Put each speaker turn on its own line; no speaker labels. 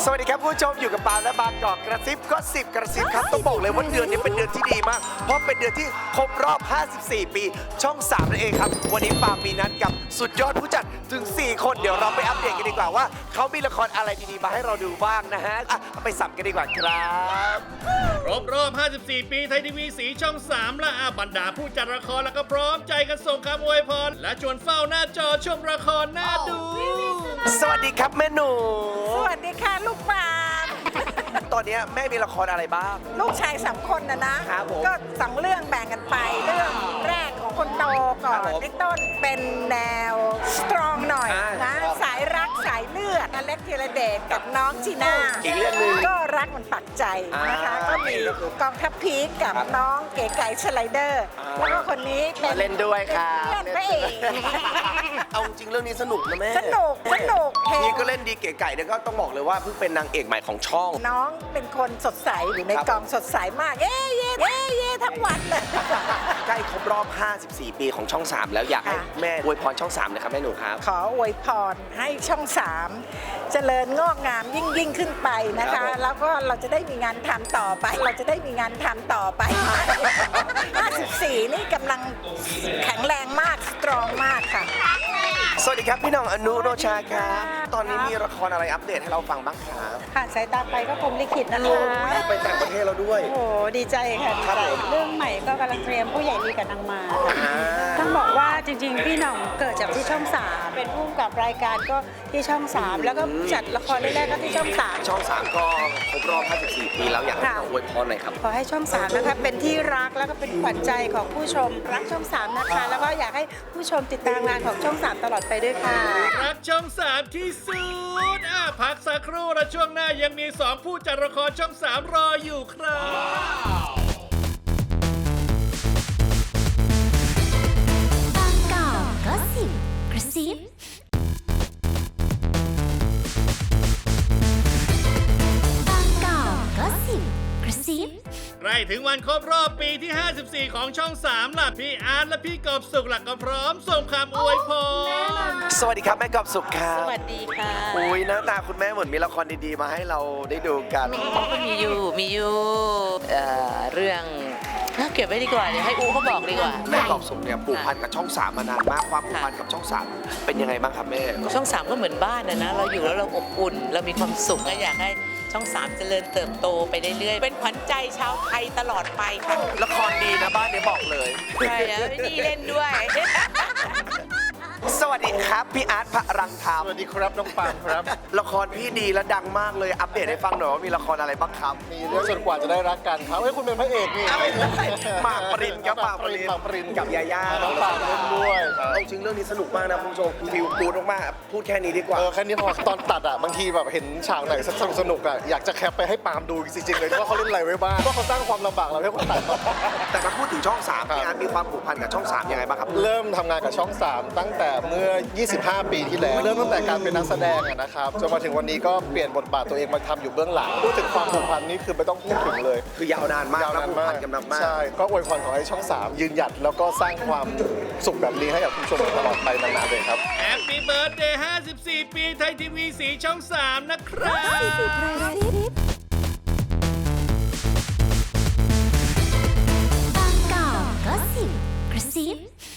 สวัสดีครับผู้ชมอยู่กับปาและบางกอกกระซิบก็10กระซิบครับต้องบอกเลยว่าเดือนนี้เป็นเดือนที่ดีมากเพราะเป็นเดือนที่ครบรอบ54 ปีช่อง3นั่นเองครับวันนี้ปามีนัดกับสุดยอดผู้จัดถึง4คนเดี๋ยวเราไปอัปเดตกันดีกว่าว่าเขามีละครอะไรดีๆมาให้เราดูบ้างนะฮะไปสับกันดีกว่าครับ
ครบรอบ 54 ปีไทยทีวีสีช่อง 3 และบรรดาผู้จัดละครแล้วก็พร้อมใจกันส่งคำอวยพรและชวนเฝ้าหน้าจอชมละครน่าดู
สวัสดีครับแม่หนู
สวัสดีค่ะลูกปาน
ตอนนี้แม่มีละครอะไรบ้าง
ลูกชาย3 คนนะครับ
ผม
ก็2เรื่องแบ่งกันไป เรื่องแรกของคนโตก่อ
ครั
น
บผม
พี่ต้นเป็นแนวสตรองหน่อย
อ่า
นะครับ สายรักสายเลือดอเล็กธีรเดชกับน้องจีน่า
อีกเรื่องหนึ่ง
ก็รักมันปักใจนะคะ
อ่า
ก็มีกองทัพพีคกับ
ครับ
น้องเก๋ไก่สไลเดอร์
อ่า
แล้วก็คนนี้เป็น
เล่นด้วยครับ
เพื่อนพระเอก
เอาจริงเรื่องนี้สนุกนะแม่
สนุกเฮ
นี่ก็เล่นดีเก๋ไก่เนี่ยก็ต้องบอกเลยว่าเพิ่งเป็นนางเอกใหม่ของช่อง
น้องเป็นคนสดใสอยู่ใน
ครับ
กองสดใสมากเย้เย้เย้เย้ทั้งวันเลย
ใกล้ครบรอบ 54 ปีของช่อง 3 แล้วอยากให้
ค่ะ
แม่อวยพรช่อง 3 นะครับแม่หนูครับ
ขออวยพรให้ช่อง 3 เจริญงอกงามยิ่งขึ้นไปนะ
ครั
คะ
บผม
แล้วก็เราจะได้มีงานทำต่อไป 54 นี่กำลังแข็งแรงมากสตรองมากค่ะ
สวัสดีครับพี่น้องอนุโรชาครับ ตอนนี้มีละครอะไรอัปเดตให้เราฟังบ้างครับ
ค่ะสายตาไปก็คมลิขิตนะ
โอ้
คะ
ไปต่างประเทศเราด้วย
โอ้โหดีใจค่ะดี
ครับ
ใจ
ผม
เรื่องใหม่ก็กำลังเตรียมผู้ใหญ่ดีกับนางมาค่ะ ต้องบอกว่าจริงๆ พี่หน่องเกิดจากที่ช่อง 3 เป็นผู้กำกับรายการก็ที่ช่อง 3 แล้วก็จัดละครแรกๆก็ที่ช่อง 3
ช่อง 3 ก็ครบรอบ 54 ปีแล้วอยากให้พี่น้องอวยพรหน่อยครับ
ขอให้ช่อง 3 นะคะเป็นที่รักแล้วก็เป็นขวัญใจของผู้ชมรักช่อง 3 นะคะ แล้วก็อยากให้ผู้ชมติดตามงานของช่อง 3 ตลอดไปด้วยค่ะ
รักช่อง 3 ที่สุดพักสักครู่และช่วงหน้ายังมี 2 ผู้จัดละครช่อง 3 รออยู่ครับ
บางกอกก็สิบกระซิบางกอกก็สิบกระซิบ
ใกล้ถึงวันครบรอบปีที่ 54 ของช่อง 3 ล่ะ พี่อาร์ตและพี่กอบสุขหลักก็พร้อมส่งคำอวยพร
สวัสดีครับแม่กอบสุขครับ
สวัสดีค่ะ
อุ้ยหน้าตาคุณแม่เหมือนมีละครดีๆมาให้เราได้ดูกัน
มีอยู่เรื่องเก็บไว้ดีกว่าเดี๋ยวให้อูเขาบอกดีกว่า
แม่กอบสุขเนี่ยผูกพันกับช่อง 3 มานานมากความผูกพันกับช่อง 3 เป็นยังไงบ้างครับแม่
ช่อง 3 ก็เหมือนบ้านนะเราอยู่แล้วเราอบอุ่น เรามีความสุขก็อยากให้ช่อง 3 เจริญเติบโตไปเรื่อยๆเป็นขวัญใจชาวไทยตลอดไปค่ะ
ละครดีนะบ้านนี้บอกเลย
ใช่แล้วนี่เล่นด้วย
สวัสดีครับพี่อาร์ตพระรังธรรม
สวัสดีครับน้องปามครับ
ละครพี่ดีและดังมากเลยอัปเดตให้ฟังหน่อยว่ามีละครอะไรบ้างครับ
มีเรื่องจนกว่าจะได้รักกันครับเฮ้ยคุณเป็นพระเอกนี่
หมากปรินครับหมากปริน
หมากปริน
กับยาย่า
น้องปามเล่นด้วย
เอาจริงเรื่องนี้สนุกมากนะคุณผู้ชมฟิลกูดมากๆพูดแค่นี้ดีกว่า
แค่นี้พอตอนตัดอ่ะบางทีแบบเห็นฉากไหนสนุกอ่ะอยากจะแคปไปให้ปามดูจริงๆเลยว่าเขาเล่นอะไรไว้บ้างว่าเขาสร้างความลำบากเราให้คนตัด
แต่มาพูดถึงช่อง 3 พี่อาร์ตมีความผูกพันกับช่อง 3 ยังไงบ้างครับ
เริ่มทำงานกับช่อง 3 ตั้งแต่เมื่อ 25 ปีที่แล้ว เริ่มตั้งแต่การเป็นนักแสดงอะนะครับจนมาถึงวันนี้ก็เปลี่ยนบทบาทตัวเองมาทำอยู่เบื้องหลังพูดถึงความผูกพันนี่คือไม่ต้องพูดถึงเลย
คือยาวนานมากและผูกพันกันมาก
ใช่ ก็อวยพรขอให้ช่อง 3 ยืนหยัดแล้วก็สร้างความสุขแบบนี้ให้กับคุณผู้ชมตลอดไปนานๆเลยครับ
Happy Birthday 54 ปีไทยทีวีสีช่อง 3 นะครับ
บางกอกก็สิบกระซิบ